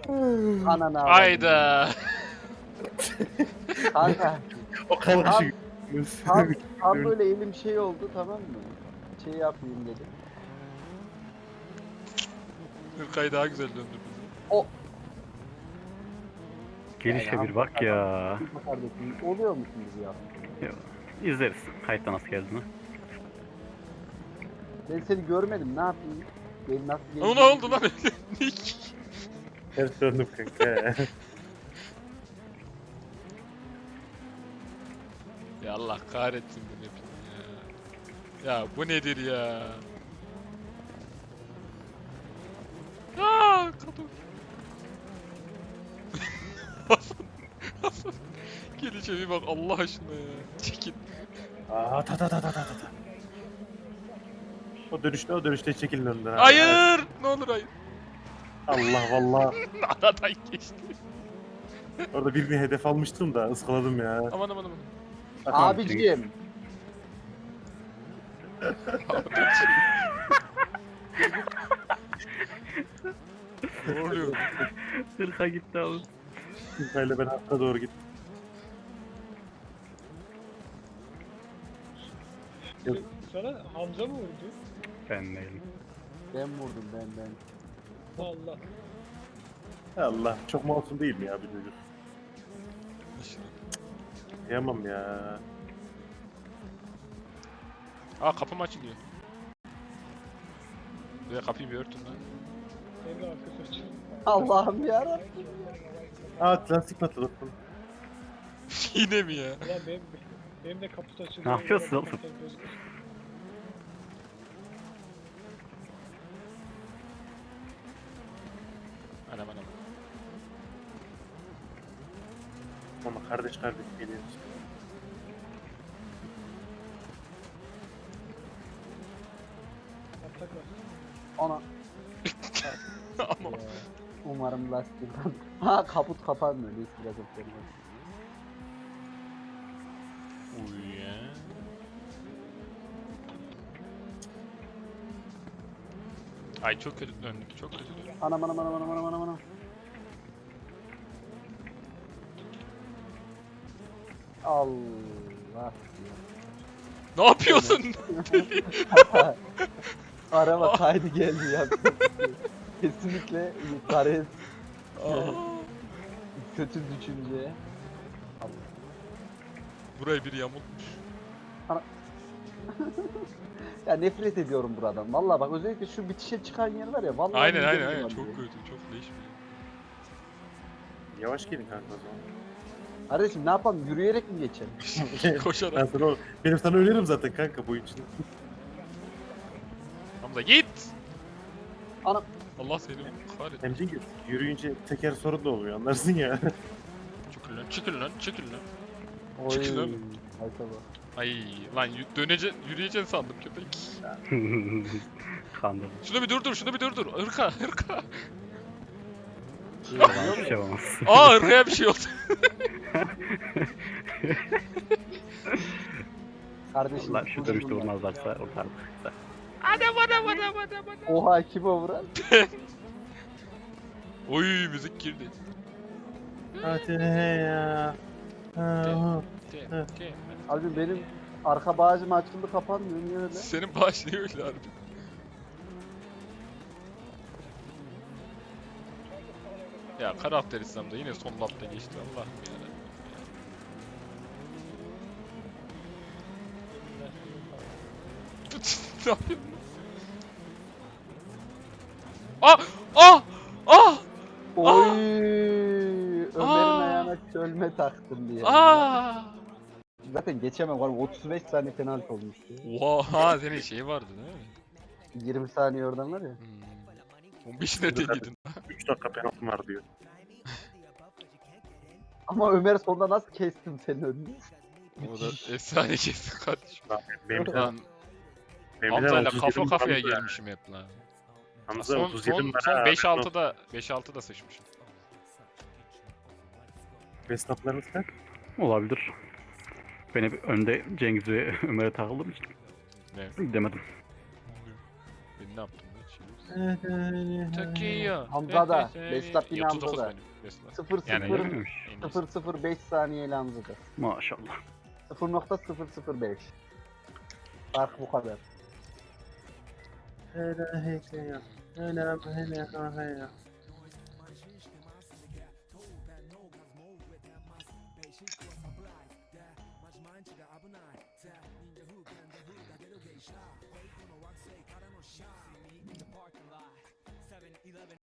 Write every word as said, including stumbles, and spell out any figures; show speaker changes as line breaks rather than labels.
Ananı avradım.
Hayda.
Kanka
O kadar
Tam-
şey.
tam, tam böyle elim şey oldu, tamam mı? Şey yapayım dedim.
Hırkayı daha güzel döndür bizi.
O
Gelişe
Yani
bir bak ya.
kardeşim oluyor musunuz ya?
İzleriz. Kayıtta nasıl geldiğini.
Ben seni görmedim, ne yapayım? Ben nasıl
Ama ne
geldiğimi-
oldu lan öyle? Nick.
Ters döndüm kanka.
Ya Allah kahretsin bu hepini ya. Ya bu nedir ya? Aaa kadın. Hasan. Hasan. Gelişe bir bak Allah aşkına ya. Çekil.
Aa ta ta ta ta ta ta. O dönüşte o dönüşte çekilin önden. abi.
Hayır. Ne olur hayır.
Allah valla.
Aradan geçti.
Orada birini hedef almıştım da ıskaladım ya.
Aman aman aman.
Abicim.
Ne oluyor?
Hırka gitti abi. Hırkayla ben arka doğru gittim.
Sana Hamza mı vurdu?
Ben değilim.
Ben vurdum, ben ben.
Allah.
Allah çok masum değil mi ya bir çocuk? Yamam ya.
Aa kapım açılıyor. Buraya kapıyı bir örtün lan.
Emre arkası açıyor.
Allah'ım yarabbim.
Aa plastik patladı.
Yine mi ya?
Ulan benim, benim de kaput açıldı.
Ne yapıyorsun
Orada
oğlum?
kapıdan gözüküyor.
Anam anam.
Ama kardeş kardeş geliyoruz.
Atak var.
Ona.
Ama
Ee, umarım lastikten. Ha kaput kapanmıyor. Neyse biraz öpüyorum.
uy ya. Ay çok kötü döndük, çok kötü döndük.
Anam anam anam anam anam anam anam. Allah.
Ne yapıyorsun?
Araba kaydı geldi ya. Kesinlikle yukarı
Aa,
kötü düşünce.
burayı biri yamultmuş.
Ya nefret ediyorum buradan. Vallahi bak özellikle şu bitişe çıkan yer var ya. Vallahi
Aynen
midem
aynen aynen
bulanıyor.
çok kötü, çok leş bir.
Yavaş gelin kanka o zaman.
Kardeşim ne yapalım? Yürüyerek mi geçelim?
Ben
Koşarak.
sana, o- benim sana önerim zaten kanka bu için.
Hamza git!
Anam.
Allah seni kahretsin.
Hem Cengiz yürüyünce teker sorun da oluyor anlarsın ya.
Çıkın lan, çıkın lan, çıkın lan.
Oy.
Çıkın lan.
Hay sabah.
Ay lan y- dönece yürüyeceksin sandım köpek.
Kandım.
Şunu bir durdur, şunu bir durdur. Hırka, hırka.
Hiçbir şey olmaz.
Aa hırkaya bir şey oldu.
Kardeşim.
Allah şu dönüşte vurmazlarsa ortardık.
Adam adam adam adam adam.
Oha kime vuran?
Oy müzik girdi.
Hadi ya. Ha,
Te, te.
Abi benim arka bağcım açıldı kapanmıyor. Niye öyle?
Senin bağış niye öyle harbi? Ya karakter İslam'da yine son lapta geçti Allah'ım ya. Ne yapıyorsun? Ah! Ah! Ah!
Oy! Ömer'in
Aa!
ayağına çölme taktım diye.
Ah!
Zaten geçemem var. otuz beş saniye penaltı olmuştu.
Oha senin şey vardı değil mi?
yirmi saniye oradan var ya.
Hmm. on beş nerede yedin?
üç dakika penaltım var diyor.
Ama Ömer sonunda nasıl kestim senin önünü?
O da efsane kesin kardeşim.
Benim de
Lan
benim de
Hamza'yla
otuz
kafa
yedi
kafaya
Hamza.
gelmişim hep lan.
Hamza
Son,
otuz yedi
son,
numara.
son beş altıda beş altıda sıçmışım.
Bestaplarınız kaç? Olabilir. Ben hep önde Cengiz ve Ömer'e takıldığım için
Ne?
demedim.
Ben ne yaptım lan? Şey, Tokyo.
Hamza da, Verstappen
otuz dokuz
Hamza da.
benim Tesla.
sıfır
Yani-
sıfır
Öyleymiş.
En iyisi.
sıfır sıfır beş saniyeyle Hamza'da.
Maşallah.
sıfır nokta sıfır sıfır beş. Fark bu kadar.
Hele hele hele hele hele.